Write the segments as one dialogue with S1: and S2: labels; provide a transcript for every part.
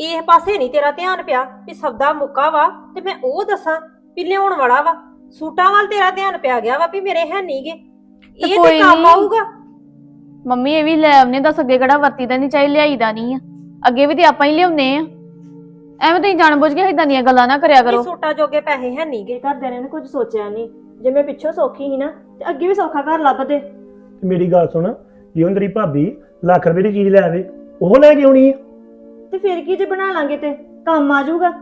S1: ਇਹ ਪਾਸੇ ਨਹੀਂ ਤੇਰਾ ਧਿਆਨ ਪਿਆ ਵੀ ਸਬਦਾ ਮੁੱਕਾ ਵਾ ਤੇ ਮੈਂ ਉਹ ਦੱਸਾਂ ਵੀ ਲਿਆਉਣ ਵਾਲਾ ਵਾ। ਸੂਟਾਂ ਵੱਲ ਤੇਰਾ ਧਿਆਨ ਪਿਆ ਗਿਆ ਵਾ ਵੀ ਮੇਰੇ ਹੈ ਨਹੀਂਗੇ। ਇਹ ਤੇ
S2: ਕੋਈ
S1: ਕੰਮ
S2: ਨੀ।
S1: ਆਊਗਾ।
S2: ਮੰਮੀ ਇਹ ਵੀ ਲੈ ਆਉਨੇ, ਦੱਸ ਅੱਗੇ ਕਿਹੜਾ ਵਰਤੀਦਾ ਨਹੀਂ, ਚਾਹੀ ਲਿਆਈਦਾ ਨਹੀਂ ਆ, ਅੱਗੇ ਵੀ ਤੇ ਆਪਾਂ ਹੀ ਲਿਆਉਨੇ ਆ। ਐਵੇਂ ਤੁਸੀਂ ਜਾਣਬੁੱਝ ਕੇ ਇਦਾਂ ਦੀਆਂ ਗੱਲਾਂ ਨਾ ਕਰਿਆ ਕਰੋ।
S1: ਸੂਟਾਂ ਜੋਗੇ ਪੈਸੇ ਹੈ ਨਹੀਂਗੇ।
S3: ਘਰਦਿਆਂ ਨੇ ਕੁਝ ਸੋਚਿਆ ਨਹੀਂ। ਜੇ ਮੈਂ ਪਿੱਛੋਂ ਸੌਖੀ ਸੀ ਨਾ ਤੇ ਅੱਗੇ ਵੀ ਸੌਖਾ ਘਰ ਲੱਭਦੇ।
S4: ਤੇ ਮੇਰੀ ਗੱਲ ਸੁਣ, ਜੇ ਹੁਣ ਤੇਰੀ ਭਾਬੀ ਲੱਖ ਰੁਪਏ ਦੀ ਚੀਜ਼ ਲੈ ਆਵੇ, ਉਹ ਲੈ ਕੇ ਆਉਣੀ ਆ।
S3: ਤੇ ਫਿਰ ਕੀ ਜੇ ਬਣਾ ਲਾਂਗੇ ਤੇ ਕੰਮ ਆ ਜਾਊਗਾ।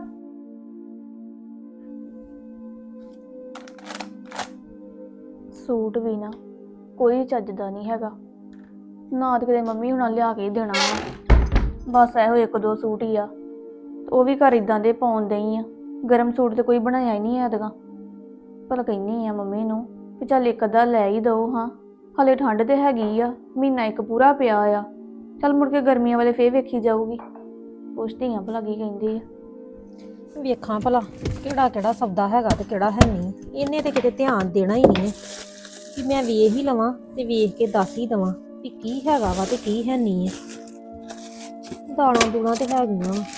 S2: ਸੂਟ ਵੀ ਨਾ ਕੋਈ ਚੱਜਦਾ ਨਹੀਂ ਹੈਗਾ, ਨਾ ਤੇ ਕਿਤੇ ਮੰਮੀ ਹੁਣਾਂ ਲਿਆ ਕੇ ਹੀ ਦੇਣਾ ਵਾ। ਬਸ ਇਹੋ ਇੱਕ ਦੋ ਸੂਟ ਹੀ ਆ, ਉਹ ਵੀ ਘਰ ਇਦਾਂ ਦੇ ਪਾਉਣ ਦਈ ਆ। ਗਰਮ ਸੂਟ ਤੇ ਕੋਈ ਬਣਾਇਆ ਹੀ ਨਹੀਂ ਐਤਕਾਂ। ਭਲਾ ਕਹਿੰਦੀ ਆ ਮੰਮੀ ਨੂੰ ਵੀ ਚੱਲ ਇੱਕ ਅੱਧਾ ਲੈ ਹੀ ਦਓ। ਹਾਂ ਹਲੇ ਠੰਡ ਤੇ ਹੈਗੀ ਆ, ਮਹੀਨਾ ਇੱਕ ਪੂਰਾ ਪਿਆ ਆ। ਚੱਲ ਮੁੜ ਕੇ ਗਰਮੀਆਂ ਵਾਲੇ ਫੇਰ ਵੇਖੀ ਜਾਊਗੀ। ਪੁੱਛਦੀ ਆ ਭਲਾ ਕੀ ਕਹਿੰਦੀ ਆ।
S1: ਵੇਖਾਂ ਭਲਾ ਕਿਹੜਾ ਕਿਹੜਾ ਸੌਦਾ ਹੈਗਾ ਤੇ ਕਿਹੜਾ ਹੈ ਨਹੀਂ। ਇਹਨੇ ਤੇ ਕਿਤੇ ਧਿਆਨ ਦੇਣਾ ਹੀ ਨਹੀਂ ਕਿ ਮੈਂ ਵੇਖ ਹੀ ਲਵਾਂ ਤੇ ਵੇਖ ਕੇ ਦੱਸ ਹੀ ਦਵਾਂ ਵੀ ਕੀ ਹੈਗਾ ਵਾ ਤੇ ਕੀ ਹੈ ਨਹੀਂ ਹੈ। ਦਾਲਾਂ ਦੂਲਾਂ ਤੇ ਹੈਗੀਆਂ ਵਾ,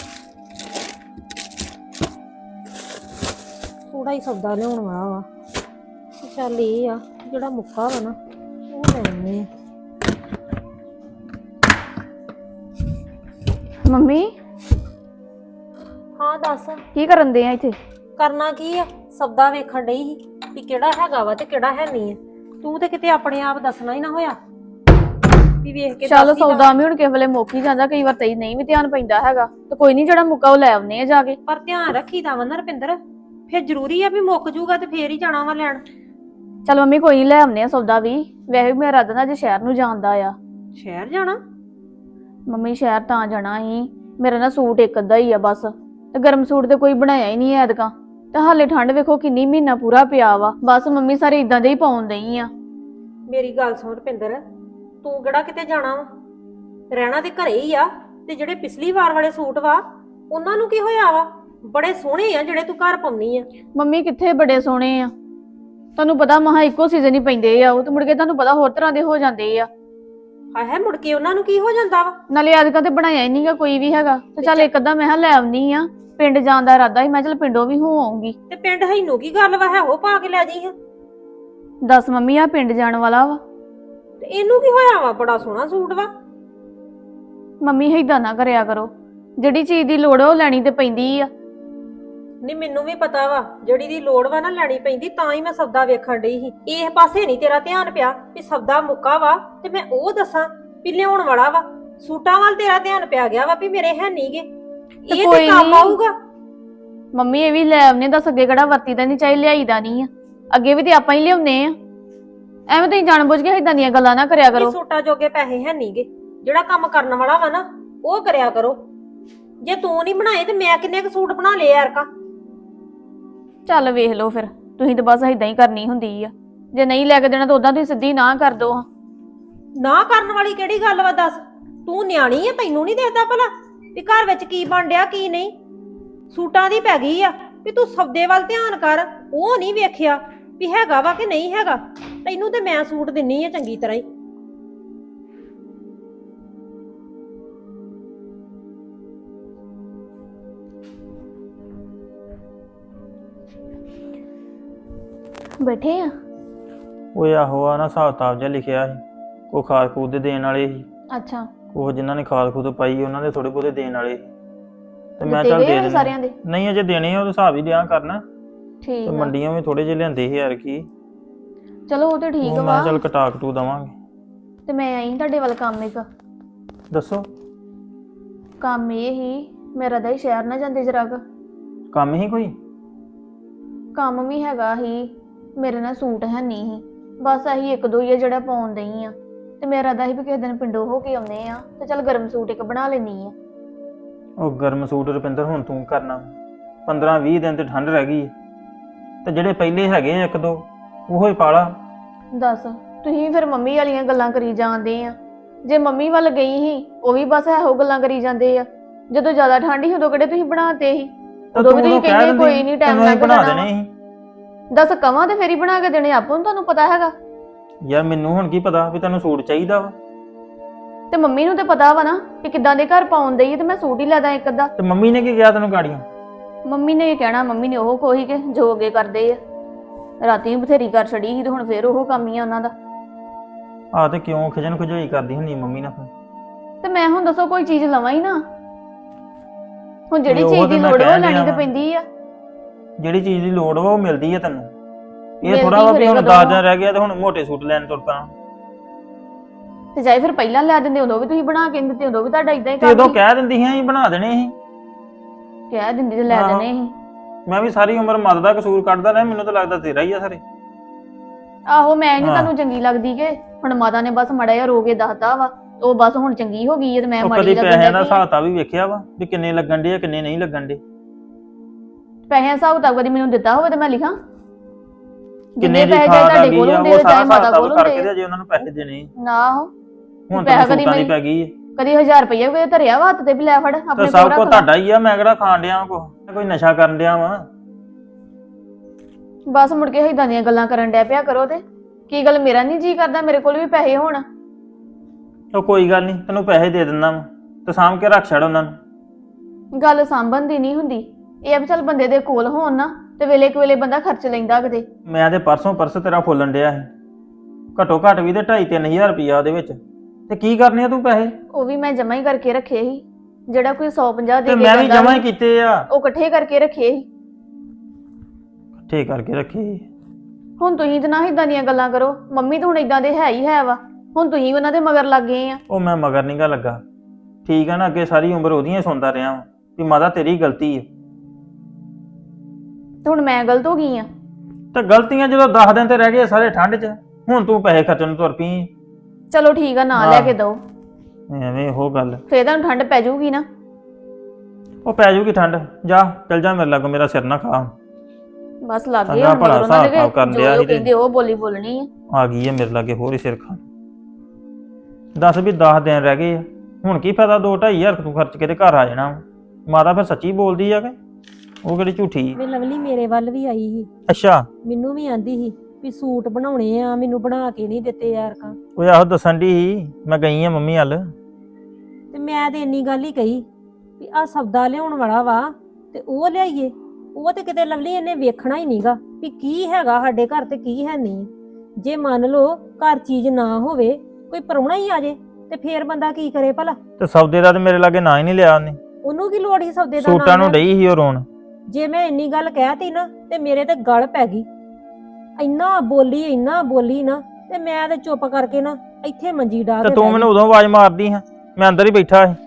S1: ਥੋੜਾ ਹੀ ਸੌਦਾ ਲਿਆਉਣ ਵਾਲਾ ਵਾ। ਚੱਲ ਇਹ ਆ ਜਿਹੜਾ ਮੁੱਕਾ ਵਾ ਨਾ ਉਹ ਲੈ ਆਉਂਦੇ ਆ।
S2: ਮੰਮੀ
S1: ਹਾਂ ਦੱਸ
S2: ਕੀ ਕਰਨ ਦੇ ਆ ਇੱਥੇ?
S1: ਕਰਨਾ ਕੀ ਆ? ਸੌਦਾ ਵੇਖਣ ਡਈ ਸੀ ਵੀ ਕਿਹੜਾ ਹੈਗਾ ਵਾ ਤੇ ਕਿਹੜਾ ਹੈ ਨਹੀਂ ਹੈ। ਤੂੰ ਤੇ ਕਿਤੇ ਆਪਣੇ ਆਪ ਦੱਸਣਾ ਹੀ ਨਾ ਹੋਇਆ ਵੀ ਵੇਖ ਕੇ
S2: ਚੱਲ
S1: ਦੱਸ ਹੀ
S2: ਸੌਦਾ ਵੀ ਹੁਣ ਕਿਸੇ ਵੇਲੇ ਮੁੱਕ ਹੀ ਜਾਂਦਾ, ਕਈ ਵਾਰ ਤਈ ਨਹੀਂ ਵੀ ਧਿਆਨ ਪੈਂਦਾ ਹੈਗਾ। ਤੇ ਕੋਈ ਨਹੀਂ, ਜਿਹੜਾ ਮੁੱਕਾ ਉਹ ਲੈ ਆਉਨੇ ਆ ਜਾ ਕੇ।
S1: ਪਰ ਧਿਆਨ ਰੱਖੀਦਾ ਵਾ ਨਾ ਰੁਪਿੰਦਰ, ਫਿਰ ਜ਼ਰੂਰੀ ਆ ਵੀ ਮੁੱਕ ਜੂਗਾ ਤੇ ਫੇਰ ਹੀ ਜਾਣਾ ਵਾ ਲੈਣ।
S2: ਚੱਲ ਮੰਮੀ ਕੋਈ ਨੀ, ਲੈ ਆਉਨੇ ਆ ਸੌਦਾ ਵੀ। ਵੈਸੇ ਮੇਰਾ ਇਰਾਦਾ ਨਾ ਅੱਜ ਸ਼ਹਿਰ ਨੂੰ ਜਾਂਦਾ ਆ।
S1: ਸ਼ਹਿਰ ਜਾਣਾ?
S2: ਮੰਮੀ ਸ਼ਹਿਰ ਤਾਂ ਜਾਣਾ ਸੀ, ਮੇਰਾ ਨਾ ਸੂਟ ਇੱਕ ਅੱਧਾ ਹੀ ਆ ਬਸ, ਤੇ ਗਰਮ ਸੂਟ ਤੇ ਕੋਈ ਬਣਾਇਆ ਹੀ ਨਹੀਂ ਐਤਕਾਂ। ਤੇ ਹਾਲੇ ਠੰਡ ਵੇਖੋ ਕਿੰਨੀ, ਮਹੀਨਾ ਪੂਰਾ ਪਿਆ ਵਾ। ਬਸ ਮੰਮੀ ਸਾਰੇ ਇਦਾਂ ਦੇ ਹੀ ਪਾਉਣ ਦਈ ਆ।
S1: ਮੇਰੀ ਗੱਲ ਸੁਣ ਰੁਪਿੰਦਰ, ਤੂੰ ਕਿਹੜਾ ਕਿਤੇ ਜਾਣਾ ਵਾ? ਰਹਿਣਾ ਤੇ ਘਰੇ ਹੀ ਆ। ਤੇ ਜਿਹੜੇ ਪਿਛਲੀ ਵਾਰ ਵਾਲੇ ਸੂਟ ਵਾ ਉਹਨਾਂ ਨੂੰ ਕੀ ਹੋਇਆ ਵਾ? ਬੜੇ ਸੋਹਣੇ ਆ ਜਿਹੜੇ ਤੂੰ ਘਰ ਪਾਉਣੀ ਆ।
S2: ਮੰਮੀ ਕਿੱਥੇ ਬੜੇ ਸੋਹਣੇ ਆ, ਤੁਹਾਨੂੰ ਪਤਾ ਮਹਾ ਇੱਕੋ ਸੀਜ਼ਨ ਹੀ ਪੈਂਦੇ ਆ ਉਹ, ਤੇ ਮੁੜ ਕੇ ਤੁਹਾਨੂੰ ਪਤਾ ਹੋਰ ਤਰ੍ਹਾਂ ਦੇ ਹੋ ਜਾਂਦੇ ਆ।
S1: ਹਾਏ ਮੁੜ ਕੇ ਉਹਨਾਂ ਨੂੰ ਕੀ ਹੋ ਜਾਂਦਾ ਵਾ?
S2: ਨਾਲੇ ਐਤਕਾਂ ਤੇ ਬਣਾਇਆ ਹੀ ਨਹੀਂਗਾ ਕੋਈ ਵੀ ਹੈਗਾ। ਤੇ ਚੱਲ ਇੱਕ ਅੱਧਾ ਮੈਂ ਕਿਹਾ ਲੈ ਆਉਨੀ ਆ। ਪਿੰਡ ਜਾਣ ਦਾ ਇਰਾਦਾ ਸੀ, ਮੈਂ ਚੱਲ ਪਿੰਡੋਂ ਵੀ ਹੋ ਆਉਂਗੀ।
S1: ਤੇ ਪਿੰਡ ਹੈਨੂੰ ਕੀ ਗੱਲ ਵਾ? ਹੈ ਉਹ ਪਾ ਕੇ ਲੈ ਜਾਈ ਹਾਂ।
S2: ਦੱਸ ਮੰਮੀ ਆ ਪਿੰਡ ਜਾਣ ਵਾਲਾ ਵਾ।
S1: ਤੇ ਇਹਨੂੰ ਕੀ ਹੋਇਆ ਵਾ? ਬੜਾ ਸੋਹਣਾ ਸੂਟ ਵਾ।
S2: ਮੰਮੀ ਏਦਾਂ ਨਾ ਕਰਿਆ ਕਰੋ, ਜਿਹੜੀ ਚੀਜ਼ ਦੀ ਲੋੜ ਆ ਉਹ ਲੈਣੀ ਤੇ ਪੈਂਦੀ ਆ।
S1: ਨਹੀਂ ਮੈਨੂੰ ਵੀ ਪਤਾ ਵਾ, ਜਿਹੜੀ ਦੀ ਲੋੜ ਵਾ ਨਾ ਲੈਣੀ ਪੈਂਦੀ, ਤਾਂ ਹੀ ਮੈਂ ਸੌਦਾ ਵੇਖਣ ਡਈ ਸੀ। ਇਹ ਪਾਸੇ ਨਹੀਂ ਤੇਰਾ ਧਿਆਨ ਪਿਆ ਵੀ ਸੌਦਾ ਮੁੱਕਾ ਵਾ ਤੇ ਮੈਂ ਉਹ ਦੱਸਾਂ ਵੀ ਲਿਆਉਣ ਵਾਲਾ ਵਾ। ਸੂਟਾਂ ਵੱਲ ਤੇਰਾ ਧਿਆਨ ਪਿਆ ਗਿਆ ਵਾ ਵੀ ਮੇਰੇ ਹੈ ਨਹੀਂਗੇ। ਇਹ ਤੇ ਕੰਮ ਆਊਗਾ।
S2: ਮੰਮੀ ਇਹ ਵੀ ਲੈ ਆਉਨੇ, ਦੱਸ ਅੱਗੇ ਕਿਹੜਾ ਵਰਤੀਦਾ ਨਹੀਂ, ਚਾਹੀ ਲਿਆਈਦਾ ਨਹੀਂ ਆ, ਅੱਗੇ ਵੀ ਤੇ ਆਪਾਂ ਹੀ ਲਿਆਉਨੇ ਆ। ਐਵੇਂ ਤੁਸੀਂ ਜਾਣਬੁੱਝ ਕੇ ਇਦਾਂ ਦੀਆਂ ਗੱਲਾਂ ਨਾ ਕਰਿਆ ਕਰੋ।
S1: ਸੂਟਾਂ ਜੋਗੇ ਪੈਸੇ ਹੈ ਨਹੀਂਗੇ। ਜਿਹੜਾ ਕੰਮ ਕਰਨ ਵਾਲਾ ਵਾ ਨਾ ਉਹ ਕਰਿਆ ਕਰੋ। ਜੇ ਤੂੰ ਨਹੀਂ ਬਣਾਏ ਤੇ ਮੈਂ ਕਿੰਨੇ ਕੁ ਸੂਟ ਬਣਾ ਲਏ ਯਾਰ ਕਾ।
S2: ਚੱਲ ਵੇਖ ਲਓ ਫਿਰ, ਤੁਸੀਂ ਤਾਂ ਬਸ ਇਦਾਂ ਹੀ ਕਰਨੀ ਹੁੰਦੀ ਆ। ਜੇ ਨਹੀਂ ਲੈ ਕੇ ਦੇਣਾ ਤਾਂ ਉਦਾਂ ਤੁਸੀਂ ਸਿੱਧੀ ਨਾ ਕਰ ਦੋ।
S1: ਨਾ ਕਰਨ ਵਾਲੀ ਕਿਹੜੀ ਗੱਲ ਵਾ? ਦੱਸ, ਤੂੰ ਨਿਆਣੀ ਆ, ਤੈਨੂੰ ਨਹੀਂ ਦੇਖਦਾ ਭਲਾ ਵੀ ਘਰ ਵਿੱਚ ਕੀ ਬਣ ਡਿਆ ਕੀ ਨਹੀਂ? ਸੂਟਾਂ ਦੀ ਪੈ ਗਈ ਆ ਵੀ ਤੂੰ ਸੌਦੇ ਵੱਲ ਧਿਆਨ ਕਰ, ਉਹ ਨਹੀਂ ਵੇਖਿਆ ਵੀ ਹੈਗਾ ਵਾ ਕਿ ਨਹੀਂ ਹੈਗਾ। ਤੈਨੂੰ ਤੇ ਮੈਂ ਸੂਟ ਦਿੰਨੀ ਆ ਚੰਗੀ ਤਰ੍ਹਾਂ ਹੀ।
S2: ਬੈਠੇ ਆ?
S5: ਉਹ ਆਹੋ ਆ ਨਾ ਹਿਸਾਬ ਕਿਤਾਬ ਜਿਹਾ ਲਿਖਿਆ ਸੀ, ਕੋਈ ਖਾਦ ਖੂਦ ਦੇ ਦੇਣ ਵਾਲੇ ਸੀ,
S2: ਅੱਛਾ
S5: ਉਹ ਜਿਨ੍ਹਾਂ ਨੇ ਖਾਦ ਖੂਦ ਪਾਈ ਉਹਨਾਂ ਦੇ ਥੋੜੇ ਬਹੁਤੇ ਦੇਣ ਵਾਲੇ ਸੀ। ਤੇ ਮੈਂ
S2: ਦਿੱਤੇ
S5: ਚੱਲ
S2: ਗਏ
S5: ਦੇ
S2: ਆ
S5: ਦੇਣੇ।
S2: ਸਾਰਿਆਂ ਦੇ?
S5: ਨਹੀਂ ਅਜੇ ਦੇਣੇ ਆ, ਉਹ ਹਿਸਾਬ ਹੀ ਦਿਆਂ ਕਰਨਾ।
S2: ਠੀਕ
S5: ਤੇ
S2: ਆ,
S5: ਮੰਡੀਆਂ ਵੀ ਥੋੜੇ ਜਿਹੇ ਲਿਆਂਦੇ ਸੀ ਯਾਰ ਕੀ,
S2: ਚਲੋ ਉਹ ਤੇ ਠੀਕ
S5: ਉਹ
S2: ਵਾ।
S5: ਮੈਂ ਚੱਲ ਕਟਾ ਕਟੂ ਦਵਾਂਗੇ।
S2: ਤੇ ਮੈਂ ਆਈ ਤੁਹਾਡੇ ਵੱਲ ਕੰਮ ਇੱਕ।
S5: ਦੱਸੋ
S2: ਕੰਮ ਇਹ ਹੀ, ਮੇਰਾ ਤਾਂ ਹੀ ਸ਼ਹਿਰ ਨਾ ਜਾਂਦੇ ਜਰਾ ਕੁ।
S5: ਕੰਮ ਹੀ ਕੋਈ?
S2: ਕੰਮ ਵੀ ਹੈਗਾ ਹੀ, ਮੇਰੇ ਨਾਲ ਸੂਟ ਹੈ ਨਹੀਂ ਸੀ, ਬਸ ਆਹੀ ਇੱਕ ਦੋ ਹੀ ਆ ਜਿਹੜਾ ਪਾਉਣ ਦਈ ਆ। ਤੇ ਮੇਰਾ ਤਾਂ ਹੀ ਵੀ ਕਿਸੇ ਦਿਨ ਪਿੰਡੋਂ ਹੋ ਕੇ ਆਉਂਦੇ ਆ, ਤੇ ਚੱਲ ਗਰਮ ਸੂਟ ਇੱਕ ਬਣਾ ਲੈਣੀ ਆ।
S5: ਉਹ ਗਰਮ ਸੂਟ ਰੁਪਿੰਦਰ ਹੁਣ ਤੂੰ ਕਰਨਾ, 15-20 ਦਿਨ ਤੇ ਠੰਡ ਰਹਿ ਗਈ ਹੈ। ਤੇ ਜਿਹੜੇ ਪਹਿਲੇ ਹੈਗੇ ਆ ਇੱਕ ਦੋ ਉਹੋ ਹੀ ਪਾਲਾ।
S2: ਦੱਸ ਤੁਸੀਂ ਫਿਰ ਮੰਮੀ ਵਾਲੀਆਂ ਗੱਲਾਂ ਕਰੀ ਜਾਂਦੇ ਆ। ਜੇ ਮੰਮੀ ਵੱਲ ਗਈ ਸੀ ਉਹ ਵੀ ਬਸ ਇਹੋ ਗੱਲਾਂ ਕਰੀ ਜਾਂਦੇ ਆ। ਜਦੋਂ ਜ਼ਿਆਦਾ ਠੰਡ ਸੀ ਉਦੋਂ ਕਿਹੜੇ ਤੁਸੀਂ ਬਣਾਤੇ ਸੀ? ਉਦੋਂ ਵੀ ਤੁਸੀਂ ਕਹਿੰਦੇ ਕੋਈ ਨਹੀਂ ਟਾਈਮ ਲੱਗ
S5: ਬਣਾ ਦੇਣੇ ਸੀ।
S2: ਦੱਸ ਕਵਾਂ ਤੇ ਫੇਰ ਹੀ ਬਣਾ ਕੇ ਦੇਣੇ, ਆਪਾਂ ਨੂੰ ਤੁਹਾਨੂੰ ਪਤਾ ਹੈਗਾ।
S5: ਯਾਰ ਮੈਨੂੰ ਹੁਣ ਕੀ ਪਤਾ ਵੀ ਤੈਨੂੰ ਸੂਟ ਚਾਹੀਦਾ ਵਾ?
S2: ਤੇ ਮੰਮੀ ਨੂੰ ਤੇ ਪਤਾ ਵਾ ਨਾ ਕਿ ਕਿੱਦਾਂ ਦੇ ਘਰ ਪਾਉਣ ਦਈ ਤੇ ਮੈਂ ਸੂਟ ਹੀ ਲੈ ਦਾਂ ਇੱਕ ਅੱਧਾ।
S5: ਤੇ ਮੰਮੀ ਨੇ ਕੀ ਕਿਹਾ ਤੈਨੂੰ ਗਾੜੀਆਂ?
S2: ਮੰਮੀ ਨੇ ਇਹ ਕਹਿਣਾ, ਮੰਮੀ ਨੇ ਉਹ ਕੋਈ ਕਿ ਜੋ ਅੱਗੇ ਕਰਦੇ ਆ। ਰਾਤੀ ਵੀ ਬਥੇਰੀ ਕਰ ਛੜੀ ਸੀ ਤੇ ਹੁਣ ਫੇਰ ਉਹ ਕੰਮ ਹੀ ਆ ਉਹਨਾਂ ਦਾ।
S5: ਆ ਤੇ ਕਿਉਂ ਖਿਜਣ ਖੁਜਾਈ ਕਰਦੀ ਹੁੰਦੀ ਮੰਮੀ ਨਾਲ ਫਿਰ?
S2: ਤੇ ਮੈਂ ਹੁਣ ਦੱਸੋ ਕੋਈ ਚੀਜ਼ ਲਵਾਂ ਹੀ ਨਾ। ਹੁਣ ਜਿਹੜੀ
S5: ਉਹ
S2: ਚੀਜ਼ ਦੀ
S5: ਤੇ ਮੈਂ
S2: ਲੋੜ ਵਾ ਉਹ
S5: ਕਹਿਣ
S2: ਲੈਣੀ
S5: ਡਿਆ
S2: ਤੇ
S5: ਵਾਂ।
S2: ਪੈਂਦੀ ਆ।
S5: ਜਿਹੜੀ ਚੀਜ਼ ਦੀ ਲੋੜ ਵਾ ਉਹ ਮਿਲਦੀ ਆ ਤੈਨੂੰ। ਇਹ
S2: ਮਿਲਦੀ
S5: ਥੋੜਾ ਵਾ ਵੀ
S2: ਫਿਰ
S5: ਹੁਣ
S2: ਕਦੋਂ
S5: 10 ਦਿਨ ਰਹਿ ਗਿਆ ਤੇ ਹੁਣ ਮੋਟੇ ਸੂਟ ਲੈਣ ਤੁਰ ਪਾ।
S2: ਤੇ ਜਾਈ ਫਿਰ ਪਹਿਲਾਂ ਲੈ ਦਿੰਦੇ, ਉਦੋਂ ਵੀ ਤੁਸੀਂ ਬਣਾ ਕੇ ਦਿੰਦੇ, ਉਦੋਂ ਵੀ ਤੁਹਾਡਾ ਇਦਾਂ ਹੀ
S5: ਤੇ ਉਦੋਂ
S2: ਕਰਦੀ।
S5: ਕਹਿ ਦਿੰਦੀ ਸੀ ਅਸੀਂ ਬਣਾ ਦੇਣੇ ਸੀ।
S2: ਕਹਿ ਦਿੰਦੀ ਤੇ ਲੈ
S5: ਆਹੋ।
S2: ਦੇਣੇ ਸੀ।
S5: ਮੈਂ ਵੀ ਸਾਰੀ ਉਮਰ ਮਦ ਦਾ ਕਸੂਰ ਕੱਢਦਾ ਰਿਹਾ, ਮੈਨੂੰ ਤਾਂ ਲੱਗਦਾ ਤੇਰਾ ਹੀ ਆ ਸਾਰੇ।
S2: ਆਹੋ ਮੈਂ ਨਹੀਂ
S5: ਹਾਂ।
S2: ਤੁਹਾਨੂੰ ਚੰਗੀ ਲੱਗਦੀ ਕਿ ਹੁਣ ਮਾਤਾ ਨੇ ਬਸ ਮੜਾ ਜਿਹਾ ਰੋ ਕੇ ਦੱਸਦਾ ਵਾ, ਉਹ ਬਸ ਹੁਣ ਚੰਗੀ ਹੋ ਗਈ ਹੈ ਤੇ ਮੈਂ
S5: ਉਹ
S2: ਮਾੜੀ
S5: ਕਦੀ
S2: ਲੱਗਣ
S5: ਪੈਸਿਆਂ ਦਾ
S2: ਲੱਗੀ।
S5: ਹਿਸਾਬ ਤਾਂ ਵੀ ਵੇਖਿਆ ਵਾ ਵੀ ਕਿੰਨੇ ਲੱਗਣ ਡੇ ਆ ਕਿੰਨੇ ਨਹੀਂ ਲੱਗਣ ਡੇ?
S2: ਪੈਸੇ ਹਿਸਾਬ ਤਾਂ ਕਦੀ ਮੈਨੂੰ ਦਿੱਤਾ ਹੋਵੇ ਤੇ ਮੈਂ ਲਿਖਾਂ
S5: ਕਿੰਨੇ
S2: ਜਿੰਨੇ
S5: ਦੀ
S2: ਪੈਸੇ
S5: ਖਾਦ ਆ
S2: ਤੁਹਾਡੇ
S5: ਗਈ
S2: ਕੋਲ
S5: ਆ
S2: ਹੁੰਦੇ
S5: ਉਹ
S2: ਤੇ
S5: ਸਾਰਾ
S2: ਚਾਹੇ ਮਾਤਾ
S5: ਹਿਸਾਬ
S2: ਕੋਲ
S5: ਕਰਕੇ
S2: ਹੁੰਦੇ
S5: ਤੇ ਜੇ ਉਹਨਾਂ ਨੂੰ ਪੈਸੇ ਦੇਣੇ
S2: ਨਾ ਉਹ
S5: ਹੁਣ
S2: ਪੈਸਾ
S5: ਤਾਂ
S2: ਕਦੀ
S5: ਸੂਟਾਂ ਦੀ
S2: ਮੈਂ-
S5: ਪੈ ਗਈ ਹੈ।
S2: ਕਦੀ 1000 ਰੁਪਏ ਕੋਈ ਧਰਿਆ ਵਾ ਹੱਥ ਤੇ ਵੀ ਲੈ ਫੜ
S5: ਤੇ
S2: ਆਪਣੇ
S5: ਸਭ
S2: ਕੋਲ
S5: ਕੁਝ
S2: ਰੱਖ ਲਾ।
S5: ਤੁਹਾਡਾ ਹੀ ਆ, ਮੈਂ ਕਿਹੜਾ ਖਾਣ ਡਿਆ ਕੋਈ ਨਸ਼ਾ ਕਰਨ ਡਿਆ ਵਾ।
S2: ਬਸ ਮੁੜ ਕੇ ਏਦਾਂ ਦੀਆਂ ਗੱਲਾਂ ਕਰਨ ਡਿਆ ਪਿਆ ਕਰੋ ਤੇ ਕੀ ਗੱਲ ਮੇਰਾ ਨਹੀਂ ਜੀ ਕਰਦਾ ਮੇਰੇ ਕੋਲ ਵੀ ਪੈਸੇ ਹੋਣ।
S5: ਉਹ ਕੋਈ ਗੱਲ ਨਹੀਂ, ਤੈਨੂੰ ਪੈਸੇ ਦੇ ਦਿੰਦਾ ਵਾ ਤੇ ਸਾਂਭ ਕੇ ਰੱਖ ਛੱਡ ਉਹਨਾਂ ਨੂੰ।
S2: ਗੱਲ ਸਾਂਭਣ ਦੀ ਨਹੀਂ ਹੁੰਦੀ, ਇਹ ਆ ਵੀ ਚੱਲ ਬੰਦੇ ਦੇ ਕੋਲ ਹੋਣ ਨਾ ਤੇ ਵੇਲੇ ਕੁ ਵੇਲੇ ਬੰਦਾ ਖਰਚ ਲੈਂਦਾ ਕਿਤੇ।
S5: ਮੈਂ ਤੇ ਪਰਸੋਂ ਪਰਸ ਤੇਰਾ ਫੁੱਲਣ ਡਿਆ ਸੀ, ਘੱਟੋ ਘੱਟ ਵੀ ਤੇ 2.5-3 ਹਜ਼ਾਰ ਰੁਪਈਆ ਉਹਦੇ ਵਿੱਚ। ਤੇ ਕੀ ਕਰਨੇ ਆ ਤੂੰ ਪੈਸੇ?
S2: ਉਹ ਵੀ ਮੈਂ ਜਮਾ ਹੀ ਕਰਕੇ ਰੱਖੇ ਸੀ, ਜਿਹੜਾ ਕੋਈ 150 ਦੇ
S5: ਤੇ
S2: ਕੇ
S5: ਮੈਂ ਵੀ
S2: ਜਾਂਦਾ
S5: ਜਮਾ ਹੀ
S2: ਸੀ,
S5: ਕੀਤੇ ਆ,
S2: ਉਹ ਇਕੱਠੇ ਕਰਕੇ ਰੱਖੇ ਸੀ।
S5: ਇਕੱਠੇ ਕਰਕੇ ਰੱਖੇ।
S2: ਹੁਣ ਤੁਸੀਂ ਤੇ ਨਾ ਇਦਾਂ ਦੀਆਂ ਗੱਲਾਂ ਕਰੋ, ਮੰਮੀ ਤਾਂ ਹੁਣ ਇਦਾਂ ਦੇ ਹੈ ਹੀ ਹੈ ਵਾ, ਹੁਣ ਤੁਸੀਂ ਉਹਨਾਂ ਦੇ ਮਗਰ ਲੱਗ ਗਏ ਆ।
S5: ਉਹ ਮੈਂ ਮਗਰ ਨੀ ਗਾ ਲੱਗਾ, ਠੀਕ ਆ ਨਾ। ਅੱਗੇ ਸਾਰੀ ਉਮਰ ਉਹਦੀਆਂ ਹੀ ਸੁਣਦਾ ਰਿਹਾ ਵਾਂ ਵੀ ਮਾਤਾ ਤੇਰੀ ਗਲਤੀ ਹੈ।
S2: ਤੇ ਹੁਣ ਮੈਂ ਗਲਤ ਹੋ ਗਈ ਆ।
S5: ਤੇ ਗਲਤੀਆਂ ਜਦੋਂ 10 ਦਿਨ ਤੇ ਰਹਿ ਗਏ ਸਾਰੇ ਠੰਡ 'ਚ, ਹੁਣ ਤੂੰ ਪੈਸੇ ਖਰਚਣ ਨੂੰ ਤੁਰ ਪਈ।
S2: ਚਲੋ ਠੀਕ ਆ, ਨਾ ਲੈ ਕੇ ਦਓ,
S5: ਐਵੇਂ ਉਹ ਗੱਲ।
S2: ਫੇਰ ਤੁਹਾਨੂੰ ਠੰਡ ਪੈ ਜਾਊਗੀ ਨਾ।
S5: ਉਹ ਪੈ ਜੂਗੀ ਠੰਡ, ਜਾ ਚੱਲ ਜਾ ਮੇਰੇ ਲਾਗੋਂ, ਮੇਰਾ ਸਿਰ ਨਾ ਖਾ।
S2: ਬਸ ਲੱਗ ਗਏ
S5: ਚੰਗਾ
S2: ਹੁਣ
S5: ਭਲਾ
S2: ਮਗਰ ਉਹਨਾਂ
S5: ਹਿਸਾਬ ਕਿਤਾਬ ਕਰਨ
S2: ਦੇ,
S5: ਡਿਆ
S2: ਜੋ
S5: ਸੀ ਤੇ-
S2: ਕਹਿੰਦੇ ਉਹ ਬੋਲੀ ਬੋਲਣੀ ਆ।
S5: ਆ ਗਈ ਹੈ ਮੇਰੇ ਲਾਗੇ ਹੋਰ ਹੀ ਸਿਰ ਖਾ। ਦੱਸ ਵੀ 10 ਦਿਨ ਰਹਿ ਗਏ ਆ, ਹੁਣ ਕੀ ਫਾਇਦਾ 2-2.5 ਹਜ਼ਾਰ ਤੂੰ ਖਰਚ ਕੇ ਤੇ ਘਰ ਆ ਜਾਣਾ। ਮਾਤਾ ਫਿਰ ਸੱਚੀ ਬੋਲਦੀ ਆ ਕਿ ਉਹ ਕਿਹੜੀ ਝੂਠੀ?
S1: ਵੇ ਲਵਲੀ ਮੇਰੇ ਵੱਲ ਵੀ ਆਈ ਸੀ,
S5: ਅੱਛਾ,
S1: ਮੈਨੂੰ ਵੀ ਆਂਦੀ ਸੀ ਵੀ ਸੂਟ ਬਣਾਉਣੇ ਆ, ਮੈਨੂੰ ਬਣਾ ਕੇ ਨਹੀਂ ਦਿੱਤੇ ਯਾਰ ਕਾ।
S5: ਉਹ ਆਹੋ ਦੱਸਣ ਦੀ ਸੀ, ਮੈਂ ਗਈ ਆ ਮੰਮੀ ਵੱਲ।
S1: ਤੇ ਮੈਂ ਤੇ ਇੰਨੀ ਗੱਲ ਹੀ ਕਹੀ ਵੀ ਆ ਸੌਦਾ ਲਿਆਉਣ ਵਾਲਾ ਵਾ ਤੇ ਉਹ ਲਿਆਈਏ। ਉਹ ਤੇ ਕਿਤੇ ਲਵਲੀ ਇਹਨੇ ਵੇਖਣਾ ਹੀ ਨਹੀਂਗਾ ਵੀ ਕੀ ਹੈਗਾ ਸਾਡੇ ਘਰ ਤੇ ਕੀ ਹੈ ਨਹੀਂ। ਜੇ ਮੰਨ ਲਓ ਘਰ ਚੀਜ਼ ਨਾ ਹੋਵੇ, ਕੋਈ ਪ੍ਰਾਹੁਣਾ ਹੀ ਆ ਜੇ ਤੇ ਫੇਰ ਬੰਦਾ ਕੀ ਕਰੇ ਭਲਾ?
S5: ਤੇ ਸੌਦੇ ਦਾ ਤੇ ਮੇਰੇ ਲਾਗੇ ਨਾਂ ਹੀ ਨਹੀਂ ਲਿਆ ਉਹਨੇ।
S1: ਉਹਨੂੰ ਕੀ ਲੋੜ ਸੀ ਸੌਦੇ ਦਾ
S5: ਸੂਟਾਂ
S1: ਨਾਂ
S5: ਨੂੰ
S1: ਲੈਣ?
S5: ਡਈ ਸੀ ਉਹ ਰੋਣ।
S1: ਜੇ ਮੈਂ ਇੰਨੀ ਗੱਲ ਕਹਿਤੀ ਨਾ ਤੇ ਮੇਰੇ ਤੇ ਗਲ ਪੈ ਗਈ। ਇੰਨਾ ਬੋਲੀ ਨਾ ਤੇ ਮੈਂ ਤੇ ਚੁੱਪ ਕਰਕੇ ਨਾ ਇੱਥੇ ਮੰਜੀ ਡਾ
S5: ਤੇ
S1: ਕੇ
S5: ਤੂੰ
S1: ਬਹਿ
S5: ਮੈਨੂੰ
S1: ਗਈ।
S5: ਉਦੋਂ ਆਵਾਜ਼ ਮਾਰਦੀ ਹਾਂ, ਮੈਂ ਅੰਦਰ ਹੀ ਬੈਠਾ ਸੀ।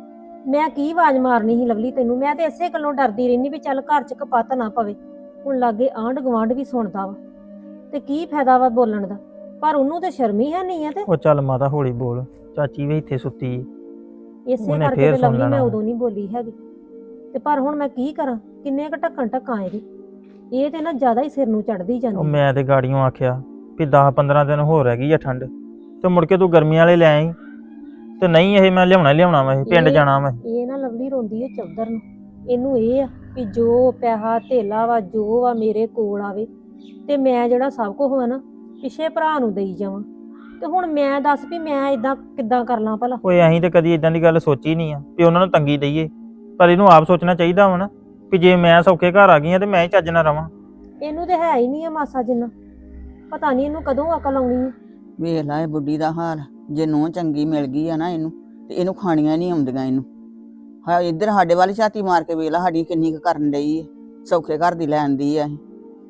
S1: ਮੈਂ ਕੀ ਆਵਾਜ਼ ਮਾਰਨੀ ਸੀ ਲਵਲੀ ਤੈਨੂੰ? ਮੈਂ ਤੇ ਇਸੇ ਗੱਲੋਂ ਡਰਦੀ ਰਹਿੰਦੀ ਵੀ ਚੱਲ ਘਰ 'ਚ ਕਪੱਤ ਨਾ ਪਵੇ। ਹੁਣ ਲਾਗੇ ਆਂਢ ਗੁਆਂਢ ਵੀ ਸੁਣਦਾ ਵਾ ਤੇ ਕੀ ਫਾਇਦਾ ਵਾ ਬੋਲਣ ਦਾ? ਪਰ ਉਹਨੂੰ ਤੇ ਸ਼ਰਮ ਹੀ ਹੈ ਨਹੀਂ ਆ। ਤੇ
S5: ਉਹ ਚੱਲ ਮਾਤਾ ਹੌਲੀ ਬੋਲ, ਚਾਚੀ ਵੀ ਇੱਥੇ ਸੁੱਤੀ।
S1: ਇਸੇ
S5: ਉਹਨੇ
S1: ਕਰਕੇ
S5: ਫੇਰ
S1: ਤੇ
S5: ਸੁਣ
S1: ਲਵਲੀ ਮੈਂ
S5: ਲੈਣਾ।
S1: ਉਦੋਂ ਨਹੀਂ ਬੋਲੀ ਹੈਗੀ। ਤੇ ਪਰ ਹੁਣ ਮੈਂ ਕੀ ਕਰਾਂ? ਕਿੰਨੇ ਕ ਢੱਕਣ ਢੱਕਾਂ ਇਹਦੇ। ਇਹ ਤੇ ਨਾ ਜ਼ਿਆਦਾ ਹੀ ਸਿਰ ਨੂੰ ਚੜਦੀ
S5: ਉਹ
S1: ਜਾਂਦੀ।
S5: ਮੈਂ ਤੇ ਗਾੜੀਆਂ ਆਖਿਆ ਵੀ 10-15 ਦਿਨ ਹੋਰ ਰਹਿ ਗਈ ਆ ਠੰਡ, ਤੇ ਮੁੜ ਕੇ ਤੂੰ ਗਰਮੀ ਵਾਲੇ ਲੈ ਆਈ। ਤੇ ਨਹੀਂ, ਇਹ ਮੈਂ ਲਿਆਉਣਾ ਵਾ, ਇਹ ਪਿੰਡ ਜਾਣਾ ਵਾ।
S1: ਇਹ ਨਾ ਲਵਲੀ ਰੋਂਦੀ ਹੈ ਚੌਧਰ ਨੂੰ। ਇਹਨੂੰ ਇਹ ਆ ਵੀ ਜੋ ਪੈਸਾ ਧੇਲਾ ਵਾ ਜੋ ਵਾ ਮੇਰੇ ਕੋਲ ਆਵੇ ਤੇ ਮੈਂ ਜਿਹੜਾ ਸਭ ਕੁਝ ਹੋਇਆ ਨਾ ਪਿਛੇ ਭਰਾ ਨੂੰ ਦੇਈ ਜਾਵਾਂ। ਤੇ ਹੁਣ ਮੈਂ ਦੱਸ ਵੀ ਮੈਂ ਇਦਾਂ ਕਿੱਦਾਂ ਕਰ ਲਾਂ ਭਲਾ?
S5: ਓਏ ਅਸੀਂ ਤੇ ਕਦੀ ਇਦਾਂ ਦੀ ਗੱਲ ਸੋਚੀ ਨਹੀਂ ਆ ਵੀ ਉਹਨਾਂ ਨੂੰ ਤੰਗੀ ਦਈਏ, ਪਰ ਇਹਨੂੰ ਆਪ ਸੋਚਣਾ ਚਾਹੀਦਾ ਵਾ ਨਾ ਵੀ ਜੇ ਮੈਂ ਸੌਖੇ ਘਰ ਆ ਗਈ ਆ ਤੇ ਮੈਂ ਹੀ ਚੱਜ ਨਾਲ ਰਵਾਂ।
S1: ਇਹਨੂੰ ਤੇ ਹੈ ਹੀ ਨਹੀਂ ਆ ਮਾਸਾ ਜਿੰਨਾ। ਪਤਾ ਨਹੀਂ ਇਹਨੂੰ ਕਦੋਂ ਅਕਲ ਆਉਣੀ ਹੈ।
S6: ਵੇਖ ਲਾ ਇਹ ਬੁੱਢੀ ਦਾ ਹਾਲ। ਜੇ ਨੂੰਹ ਚੰਗੀ ਮਿਲ ਗਈ ਆ ਨਾ ਇਹਨੂੰ, ਤੇ ਇਹਨੂੰ ਖਾਣੀਆਂ ਨਹੀਂ ਆਉਂਦੀਆਂ ਇਹਨੂੰ। ਹਾਂ ਇੱਧਰ ਸਾਡੇ ਵਾਲੀ ਛਾਤੀ ਮਾਰ ਕੇ ਵੇਖ ਲਾ ਸਾਡੀ ਕਿੰਨੀ ਕੁ ਕਰਨ ਡਈ ਹੈ, ਸੌਖੇ ਘਰ ਦੀ ਲੈਣ ਦੀ ਆ ਇਹ।